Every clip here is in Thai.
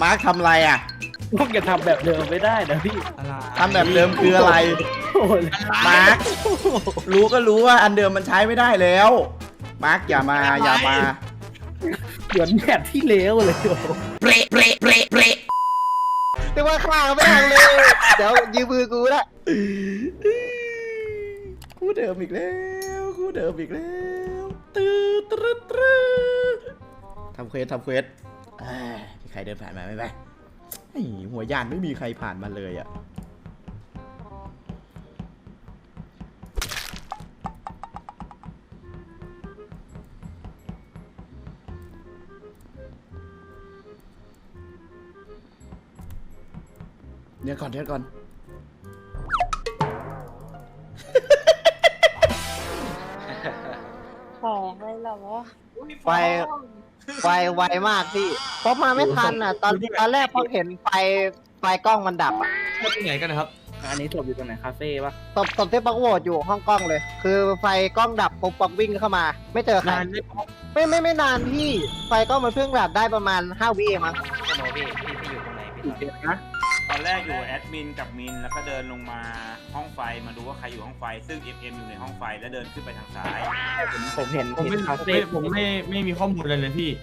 มาร์คทำอะไรอ่ะพวกอย่าทำแบบเดิมไม่ได้นะพี่ทำแบบเดิมคืออะไรโอ้ยมาร์ครู้ก็รู้ว่าอันเดิมมันใช้ไม่ได้แล้วมาร์คอย่ามาเหมือนแบบที่เลวเลยโอ้โหเปรเปรเปรเปรแต่ว่าข้างไม่ทางเลย เดี๋ยวยืมมือกูละคู่เดิมอีกแล้วคู่เดิมอีกแล้วตื้อตื้อตื้อทำเควสมีใครเดินผ่านมาไหมไอ้หัวยานไม่มีใครผ่านมาเลยอ่ะเดี๋ยวก่อนของเลยเหรอไฟไวมากพี่เพราะมาไม่ทันอ่ะ ตอนแรกพอเห็นไฟกล้องมันดับอ่ะที่ไหนกันนะครับอันนี้ศพอยู่ตรงไหนคาเฟ่ปะตบที่ป๊อกโหวตอยู่ห้องกล้องเลย คือไฟกล้องดับปุ๊บป๊อกวิ่งเข้ามา ไม่เจอใครนานไหมไม่นานพี่ ไฟกล้องมันเพิ่งดับได้ประมาณ5 วิเองมั้งโนพี่อยู่ตรงไหนพี่อีกเด็ดนะตอนแรกอยู่แอดมินกับมินแล้วก็เดินลงมาห้องไฟมาดูว่าใครอยู่ห้องไฟ ซึ่ง FM อยู่ในห้องไฟแล้วเดินขึ้นไปทางซ้ายผมเห็นผมไม่คาเฟ่ไม่มีข้อมูลอะไรเลยพี่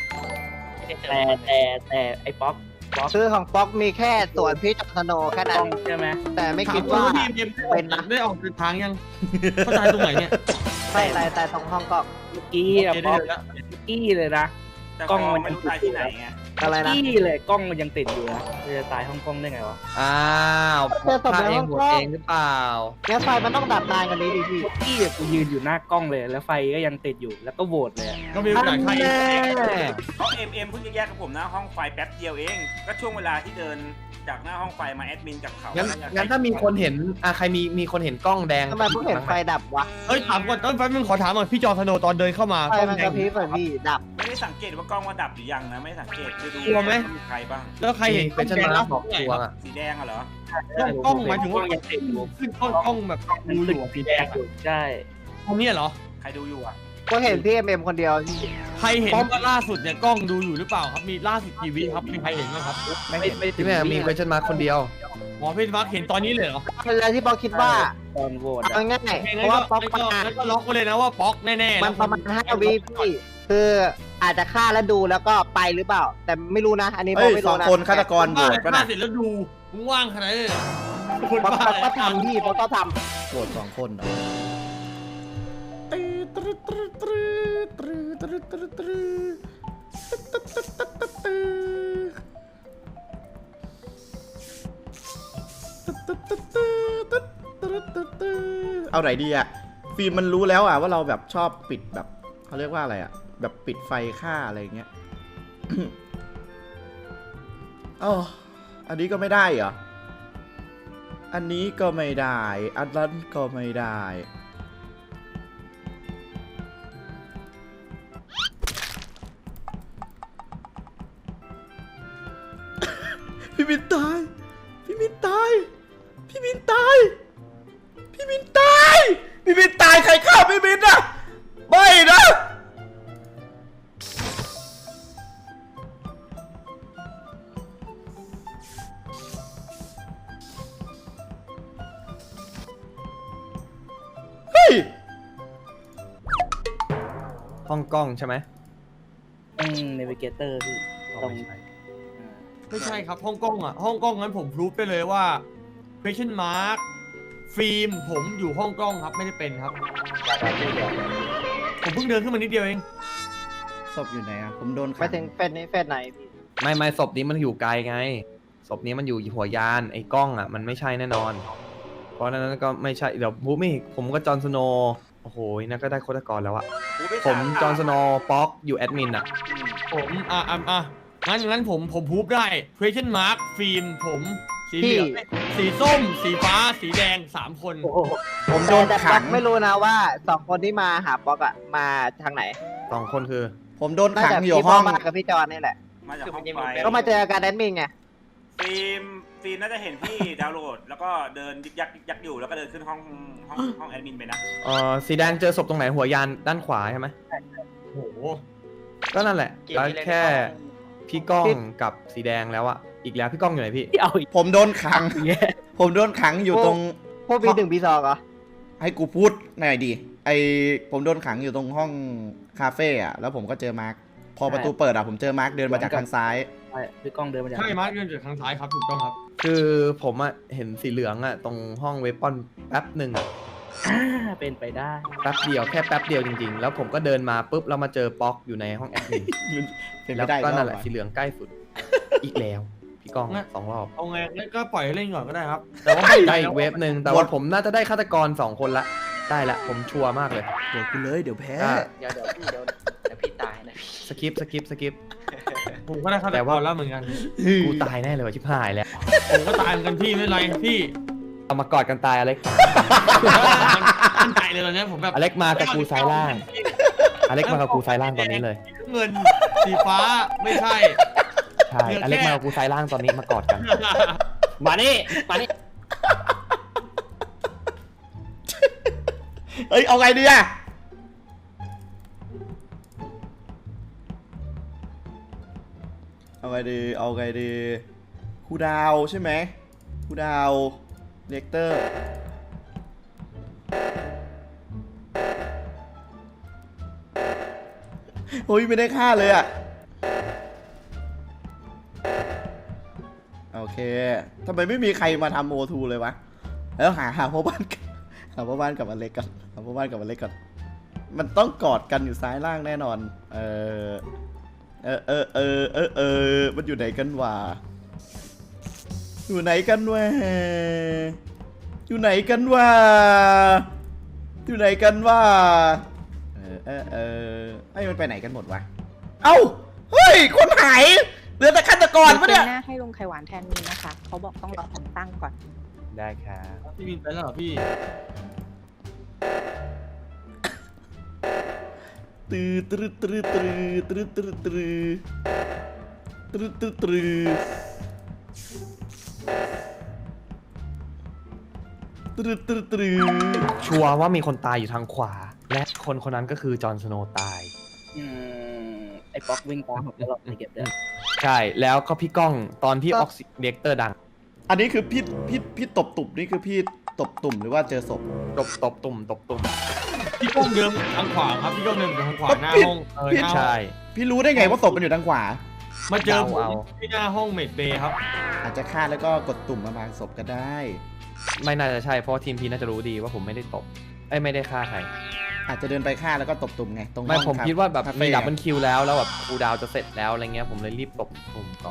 แต่ไอ้ป๊อกชื่อของป๊อกมีแค่ส่วนพี่จอมสโนว์แค่ต้นั้อน งใช่ไหมแต่ไม่คิดว่าพี่เอ็มเป็นนะได้ออกเดินทางยัง เข้าใจตรงไหนเนี่ยแต่ตรงห้องกล้องเมื่อกี้อะโอเคป๊ได้อกเลยละเมื่อกี้เลยนะแต่กล้องฟมันไม่รู้ตายที่ไหนไงอะไรนะกี้เลยกล้องมันยังติดอยู่นะจะตายห้องกล้องได้ไงวะอ้าวเจอศพฆ่าในเอห้งองหมดกล้องเองหรือเปล่างั้นไฟมันต้องดับนานกว่านี้ดิพี่เมื่อกี้อะกูยืนอยู่หน้ากล้องเลย แล้วไฟก็ยังติดอยู่แล้วก็โหวตเลยอะก็มีโอกาสฆ่าเองเพราะ MM เพิ่งจะแยกกับผมหน้าห้องไฟแป๊บเดียวเอง ก็ช่วงเวลาที่เดินจากหน้าห้องไฟมาแอดมินกับเขางั้นน่จะงั้นถ้ามีคนเห็นใครมีคนเห็นกล้องแดงทำไมเพิ่งเห็นไฟดับวะเฮ้ยถามก่อนแป๊บนึงขอถามก่อนพี่จอร์นสโนว์ตอนเดินเข้ามาไฟกล้องมันแดกระงพริบอะพี่ดับไม่ได้สังเกตว่ากล้องว่าดับหรือยังนะไม่ได้สังเกตคือดูกลัวไหมว่ามีใครบ้างแล้วใครเห็นเป็นชนะบอกตัวอะสีแดงอะเหรอกล้องหมายถึงกล้ว่าองยังติดอยู่ขึ้นกล้องแบบมันดูอติดยู่สีแดงอยู่ใช่ตรงนี้เหรอใครดูอยู่อะก็เห็นพี่เอ็มคนเดียวพี่ใครเห็นว่าล่าสุดเนี่ยกล้องดูอยู่หรือเปล่าครับ มีล่าสุดกี่วิครับ มีใครเห็นบ้างครับไม่ที่แม่มีเป็นชนะคนเดียวหมอพี่มาร์คเห็นตอนนี้เลยเหรอเป็นอะไรที่ป๊อกคิดว่าตอนโหวตเอาอะง่ายโอเคๆเพงั้นราะก็ว่าป๊อกงั้นก็ล็อกไว้เลยนะว่าป๊อกแน่ๆมันประมาณ5 วิพี่คืออาจจะฆ่าแล้วดูแล้วก็ไปหรือเปล่า แต่ไม่รู้นะ อันนี้ป๊เฮ้อกยไม่สอรู้งนะคนฆาตกรโหวตป่ะป่ะนะนะเสร็จแล้วดูมึงว่างขนาดนี้เลยเหรอคนป๊อกบ้าก็ทำพี่ป๊อกก็ทโหวต2 คนเหรอเอาไหนดีอะฟิล์มมันรู้แล้วอะว่าเราแบบชอบปิดแบบเขาเรียกว่าอะไรอะแบบปิดไฟฆ่าอะไรอย่างเงี้ย อ๋ออันนี้ก็ไม่ได้เหรอ อันนี้ก็ไม่ได้ อันนั้นก็ไม่ได้ พี่มินตาย พี่มินตาย พี่มินตาย พี่มินตาย พี่มินตายใครฆ่าพี่มินอะไม่นะ เฮ้ยห้องกล้องใช่ไหมเนวิเกเตอร์พี่ตรงไม่ใช่ครับห้องกล้องอ่ะห้องกล้องนั้นผมพรูฟไปเลยว่า question mark ฟิล์มผมอยู่ห้องกล้องครับไม่ได้เป็นครับ ผมเพิ่งเดินขึ้นมานิดเดียวเองศพอยู่ไหนอะผมโดนำไปขังถึงเฟสนี้เฟสไหนพี่ไม่ศพนี้มันอยู่ไกลไงศพนี้มันอยู่หัวยานไอ้กล้องอ่ะมันไม่ใช่แน่นอน เพราะฉะนั้นก็ไม่ใช่เดี๋ยวพูดไม่ผมก็จอห์นสโนว์โอ้โหนั่นก็ได้ฆาตกรแล้วอะกูไปผมถาจอห์นสโนว์ป๊อกอยู่แอดมินอะผมงั้นผมพูฟได้ question mark ฟิล์มผมสีเหลืองสีส้ม สีฟ้า สีแดง3 คนโอ้โหผมโดนแต่ป๊ขัอง กไม่รู้นะว่า2 คนที่มาหาป๊อกอะมาทางไหน 2 คนคือผมโดนน่าขังจะอยู่พี่ห้องป๊อกกับพี่จอนนี่แหละมาจากห้องไฟก็มาเจอกันแอดมินไงฟิล์มน่าจะเห็นพี่ดาวน์โหลด แล้วก็เดินยึกยักอยู่แล้วก็เดินขึ้นห้องแอดมินไปนะสีแดงเจอศพตรงไหนหัวยานด้านขวาใช่ไหมโอ้โหก็นั่นแหละแล้วแค่พี่ก้องกับสีแดงแล้วอะอีกแล้วพี่ก้องอยู่ไหนพี่ที่เอาอีกผมโดนขังอย่างเงี้ยผมโดนขังอยู่ตรงพวกปีหนึ่งปีสองเหรอให้กูพูดหน่อยดิผมโดนขังอยู่ตรงห้องคาเฟ่อะแล้วผมก็เจอมาร์คพอประตูเปิดอะผมเจอมาร์คเดินมาจากทางซ้ายใช่คือกล้องเดินมาจากใช่มาร์คเดินจากทางซ้ายครับถูกต้องครับคือผมอะเห็นสีเหลืองอะตรงห้องเวปอนแป๊บหนึ่งอะเป็นไปได้แป๊บเดียวแค่แป๊บเดียวจริงๆ แล้วผมก็เดินมาปุ๊บแล้วมาเจอป๊อกอยู่ในห้องแอดมินเป็นแล้ไปวได้ก็นั่นรแหอบละอะสีเหลืองใกล้สุด อีกแล้วพี่ก้อง 2 รอบเอาไงงั้นก็ปล่อยให้เล่นก่อนก็ได้ครับ แต่ว่าได้อีกเวฟหนึ่งแต่ว่าผมน่าจะได้ฆาตกร 2 คนละได้ละผมชัวร์มากเลยเดี๋ยวกูเลยเดี๋ยวแพ้เดี๋ยวพี่เดี๋ยวพี่ตายนะสกิปผมก็ได้ฆาตแต่กว่ารแล้วเหมือนกันกูตายแน่เลยว่ะชิบหายแล้วผมก็ตายเหมือนกันพี่ไม่เป็นไรพี่เอามากอดกันตายอเล็กมันใจเลยตอนเนี้ยผมแบบอเล็กมากับกูซ้ายล่าง อเล็กมากับกูซ้ายล่างตอนนี้เลยเงินสีฟ้าไม่ใช่ใช่อเล็กมากับกูซ้ายล่างตอนนี้มากอดกัน มานี่มานี่เอ้ยเอาไงดีอะเอาไงดีครูดาวใช่ไหมครูดาวเลกเตอร์โอ้ยไม่ได้ฆ่าเลยอะโอเคทำไมไม่มีใครมาทำโอทูเลยวะแล้วหาพ่อบ้านกับอเล็กก่อนหาพ่อบ้านกับอเล็กก่อนมันต้องกอดกันอยู่ซ้ายล่างแน่นอนมันอยู่ไหนกันวะอยู่ไหนกันวะไอ้มันไปไหนกันหมดวะเอ้าเฮ้ยคนหายเหลือแต่ฆาตกรปะเนี่ยหน้าให้ลุงไข่หวานแทนมีนะคะ เขาบอกต้องรอผมตั้งก่อนได้ครับพี่บินไปแล้วเหรอพี่ชัวร์ว่ามีคนตายอยู่ทางขวา และคนคนนั้นก็คือจอห์นสโนว์ตายไอ้ป๊อกวิ่งตามผมตลอดในเก็บเด้อใช่แล้วก็พี่ก้องตอนที่ออกซิเรียกเตอร์ดังอันนี้คือพี่ตบตุ่มนี่คือพี่ตบตุ่มหรือว่าเจอศพตบตุ่มพี่ก้องเดินทางขวาครับพี่ก้องเดินทางขวาหน้าห้องหน้าห้องใช่พี่รู้ได้ไงว่าศพมันอยู่ทางขวามาเจอผมเอาที่หน้าห้องเมดเบย์ครับอาจจะฆ่าแล้วก็กดตุ่มมาบางศพก็ได้ไม่น่าจะใช่เพราะว่าทีมพีน่าจะรู้ดีว่าผมไม่ได้ตบไม่ได้ฆ่าใครอาจจะเดินไปฆ่าแล้วก็ตบตุ่มไงตรงไม่ห้องผมรับคิดว่าแบบคมีเฟ่ดับเบิลคิวแล้วแบบคูลดาวน์จะเสร็จแล้วอะไรเงี้ยผมเลยรีบตบตุ่มก่อน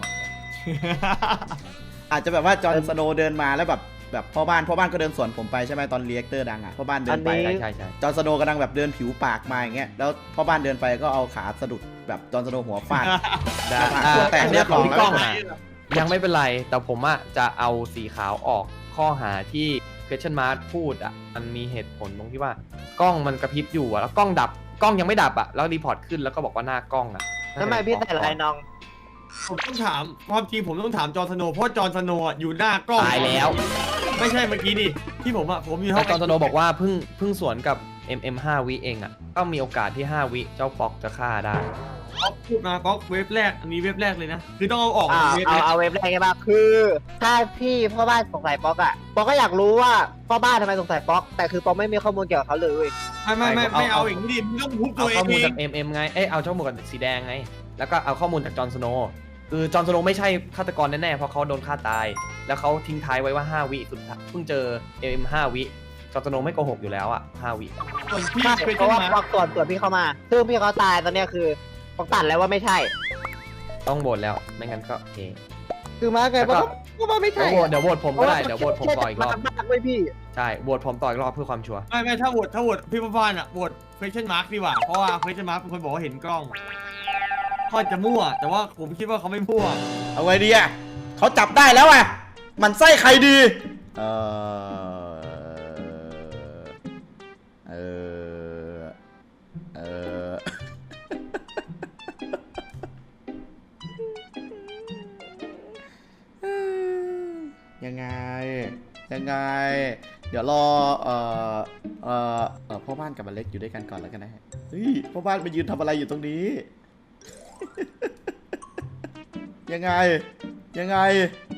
อาจจะแบบว่าจอห์นสโนว์เดินมาแล้วแบบพ่อบ้านก็เดินสวนผมไปใช่ไหมตอนเรียกเตอร์ดังอ่ะพ่อบ้านเดินไปอันนี้ใช่จอห์นสโนว์กำลังแบบเดินผิวปากมาอย่างเงี้ยแล้วพ่อบ้านเดินไปก็เอาขาสะดุดแบบจอห์นสโนว์หัวฟาดได้ตัวแตกอันเรีเนี้ยยบขร้ออง ยพี่ก้องอะยังไม่เป็นไรแต่ผมอะจะเอาสีขาวออกข้อหาที่ question mark พูดอะมันมีเหตุผลตรงที่ว่ากล้องมันกระพริบอยู่อะแล้วกล้องดับกล้องยังไม่ดับอะแล้วรีพอร์ตขึ้นแล้วก็บอกว่าหน้ากล้องอะทำไมพี่ใส่ลายน้องผมต้องถามความจริงผมต้องถามจอห์นสโนว์เพราะจอห์นสโนว์อยู่หน้ากล้องตายแล้วไม่ใช่เมื่อกี้นี่ที่ผมอยู่ห้แล้อวงจอห์นสโนว์บอกว่าเพิ่งสวนกับ 5 วิเองอะก็มีโอกาสที่ 5 วิเจ้าป๊อกจะฆ่าได้ป๊อกพูดมาป๊อกเว็บแรกอันนี้เว็บแรกเลยนะคือต้องเอาออกเอาเว็บเอาแรกเอาเว็บแรกใช่ปะคือ ถ้าพี่พ่อบ้านสงสัยป๊อกอะป๊อกก็อยากรู้ว่าพ่อบ้านทำไมสงสัยป๊อก แต่คือป๊อกไม่มีข้อมูลเกี่ยวกับเขาเลยไม่เอาอย่างนี้ดิมึงต้องพูดตัเอาวเอข้อมูลงจาก ไงเอาข้อมูลกับสีแดงไงแล้วก็เอาข้อมูลจากจอห์นสโนว์คือจอห์นสโนว์ไม่ใช่ฆาตกรแน่ๆเพราะเขาโดนฆ่าตาย แล้วเขาทิ้งท้ายไว้ว่า 5 วิสุดท้ายเพิ่งเจอ 5 วิจอห์นสโนว์ไม่โกหกอยู่แล้วอะ5 วิส่วนพี่ใช่เป็นเพราะว่ามาป๊อกส่วนพี่เข้ามา ซึ่งพี่เขาตายตอนเนี้ยคือป๊อกตัดแล้วว่าไม่ใช่ต้องโหวตแล้วไม่งั้นก็โอเคคือมาไงแล้วก็ป๊อกว่าไม่ใช่เดี๋ยวโหวตผมก็ได้เดี๋ยวโหวตผมต่ออีกรอบมากไม่พี่ใช่โหวตผมต่ออีกรอบเพื่อความชัวร์ไม่ถ้าโหวตพี่ป้านอ่ะโหวต question mark ดีกว่าเพราะว่า question mark เป็นคนบอกว่าเห็นกล้องเขาจะมั่วแต่ว่าผมคิดว่าเขาไม่มั่วเอาไงดีอ่ะเขาจับได้แล้วอ่ะมันไส้ใครดียังไง เดี๋ยวรอพ่อบ้านกับอเล็กอยู่ด้วยกันก่อนแล้วกันนะฮะเฮ้ยพ่อบ้านไปยืนทำอะไรอยู่ตรงนี้ยังไง ยังไง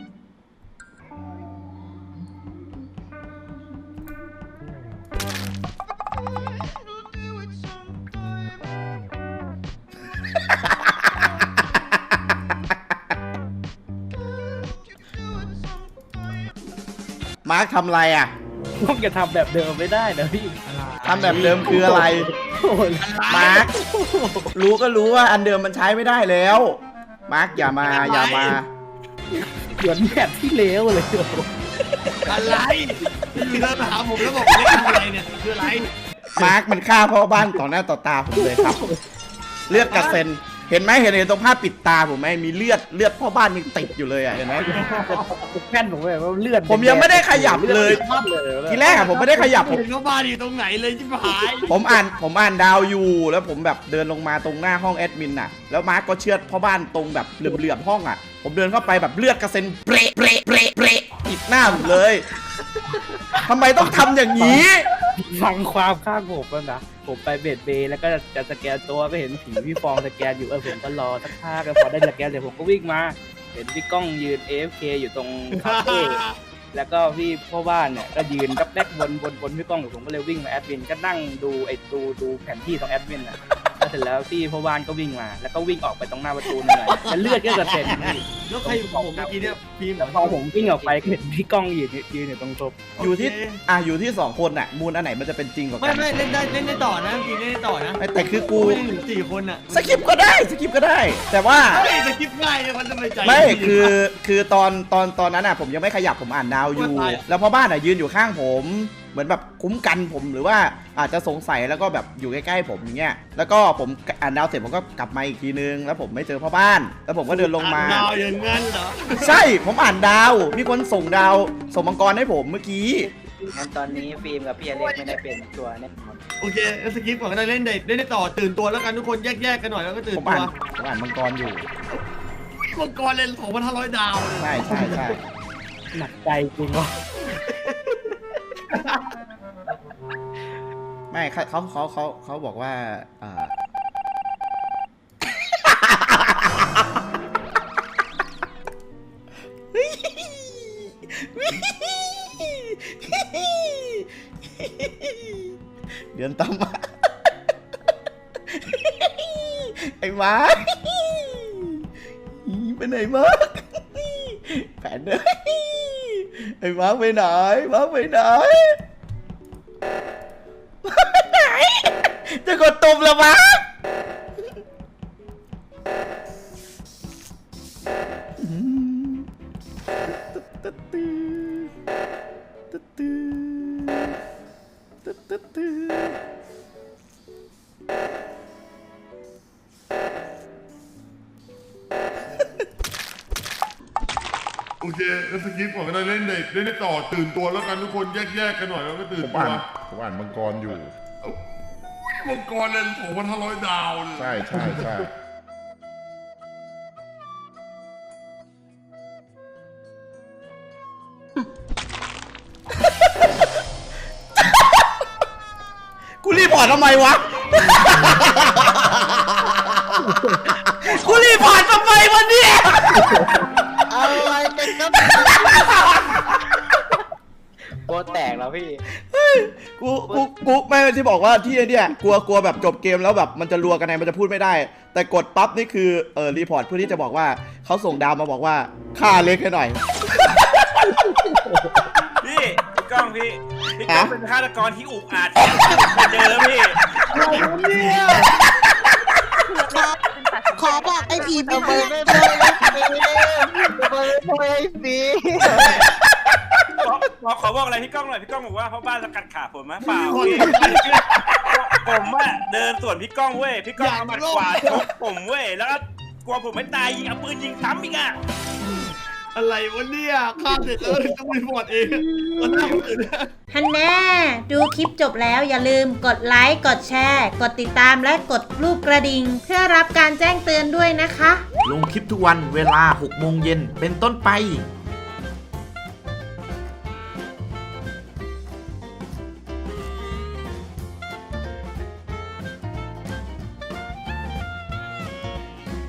มาร์คทำอะไรอ่ะพวกจะทำแบบเดิมไม่ได้นะพี่ทำแบบเดิมคืออะไรโอ้ยมาร์ค รู้ก็รู้ว่าอันเดิมมันใช้ไม่ได้แล้ว มาร์คอย่ามา อย่ามาเหมือนแบบที่เลวเลยอะไรอยู่เดินมาหาผมแล้วบอกเล่นอะไรเนี่ยคืออะไรมาร์คมันฆ่าพ่อบ้านต่อหน้าต่อตาผมเลยครับ เลือดกระเซ็น เห็นไหมเห็นตรงภาพปิดตาผมไหมมีเลือดพ่อบ้านยังติดอยู่เลยอ่ะเห็นไหมแค่นผมแบบว่าเลือดผมยังไม่ได้ขยับเลย ทีแรกอะผมไม่ได้ขยับผมเห็นว่าบ้านอยู่ตรงไหนเลยชิบหายผมอ่านดาวอยู่แล้วผมแบบเดินลงมาตรงหน้าห้องแอดมินน่ะแล้วมาร์กก็เชือดพ่อบ้านตรงแบบเหลื่อมๆห้องอ่ะผมเดินเข้าไปแบบเลือดกระเซ็นเปะติดหน้าผมเลยทำไมต้องทำอย่างนี้ฟังความข้างผมแล้วนะผมไปเบดเบย์แล้วก็จะสแกนตัวไปเห็นผีพี่ฟองสแกนอยู่ผมก็รอสักพักแล้วพอได้สแกนเสร็จผมก็วิ่งมาเห็นพี่ก้องยืน AFK อยู่ตรงคาเฟ่แล้วก็พี่พ่อบ้านเนี่ยก็ยืนดับแบกบนพี่ก้องผมก็เลยวิ่งมาแอดมินก็นั่งดูดูแผนที่ของแอดมินอ่ะแล้วเสร็จแล้วพี่พ่อบ้านก็วิ่งมาแล้วก็วิ่งออกไปตรงหน้าประตูนั่นแหละแล้วเลือดก็กระเซ็นพี่แล้วใครอยู่กับผมเมื่อกี้เนี่ยพีมเหรพอผมวิ่งออกไปก็เห็นพี่ก้องยืนอยู่ตรงศพอยู่ที่สองคนน่ะมูลอันไหนมันจะเป็นจริงกว่าไม่กันไม่เล่นได้ต่อนะพีมเล่นได้ต่อนะแต่คือกูไม่ได้ถึง4 คนอ่ะสกิปก็ได้ แต่ว่าเฮ้ยจะคิดง่ายเลยมันทำไมใจไม่คือตอนนั้นอ่ะผมยังไม่ขยับผมอ่านดาวอยู่ แล้วพ่อบ้านอ่ะยืนอยู่ข้างผม เหมือนแบบคุ้มกันผมหรือว่าอาจจะสงสัยแล้วก็แบบอยู่ใกล้ๆผมอย่างเงี้ยแล้วก็ผมอ่านดาวเสร็จผมก็กลับมาอีกทีนึงแล้วผมไม่เจอพ่อบ้าน แล้วผมก็เดินลงมาดาวอย่างงั้นเหรอใช่ผมอ่านดาวมีคนส่งดาวส่งมังกรให้ผมเมื่อกี้งั้นตอนนี้ฟิล์มกับพี่อเล็กไม่ได้เป็นตัวแน่นอนโอเคสกิปก่อนก็ได้เล่นได้ต่อตื่นตัวแล้วกันทุกคนแยกกันหน่อยแล้วก็ตื่นผมตัวอ่านมังกรอยู่มังกรเล่น2,500 ดาวเลยใช่หนักใจจริงวะไม่เขาบอกว่าเดือนตามมาไอ้มาไปไหนมาแผนเลยไอ้มาไปไหนจะกดตุ่มแล้วมาโอเคแล้วสกิปก่อนก็ได้เล่นได้ต่อตื่นตัวแล้วกันทุกคนแยกกันหน่อยแล้วก็ตื่นผมตัวอ่านมังกรอยู่มังกรเล่น2,500 ดาวเลยใช่กูรีพอร์ตทำไมวะ กูรีพอร์ตทำไมวะเนี่ยอะไรกันครับโบแตกแล้วพี่กูไม่ที่บอกว่าที่เนี่ยกลัวแบบจบเกมแล้วแบบมันจะรัวกันไงมันจะพูดไม่ได้ แต่กดปั๊บนี่คือรีพอร์ตเพื่อที่จะบอกว่าเขาส่งดาวมาบอกว่าฆ่าเล็กให้หน่อยพี่ก้องพี่ก้องเป็นฆาตกรที่อุกอาจที่สุดเคยเจอแล้วพี่ขอบอกไอ้ผีไม่ทำไมได้ไม่พูดไอ้ฟีขอบอกอะไรพี่ก้องหน่อยพี่ก้องบอกว่าเพราะบ้านสกัดขาผมมะเปล่าพี่ผมอะเดินสวนพี่ก้องเว้ยพี่ก้องเอาหมัดขวาชกผมเว้ยแล้วก็กลัวผมไม่ตายยิงเอาปืนยิงซ้ำอีกอะอะไรวะเนี่ยฆ่าเสร็จแล้วต้องรีพอร์ตเองมันน่าตื่นฮันแน่ดูคลิปจบแล้วอย่าลืมกดไลค์ กดแชร์ กดติดตามและกดรูปกระดิ่งเพื่อรับการแจ้งเตือนด้วยนะคะลงคลิปทุกวันเวลา 6 โมงเย็นเป็นต้นไป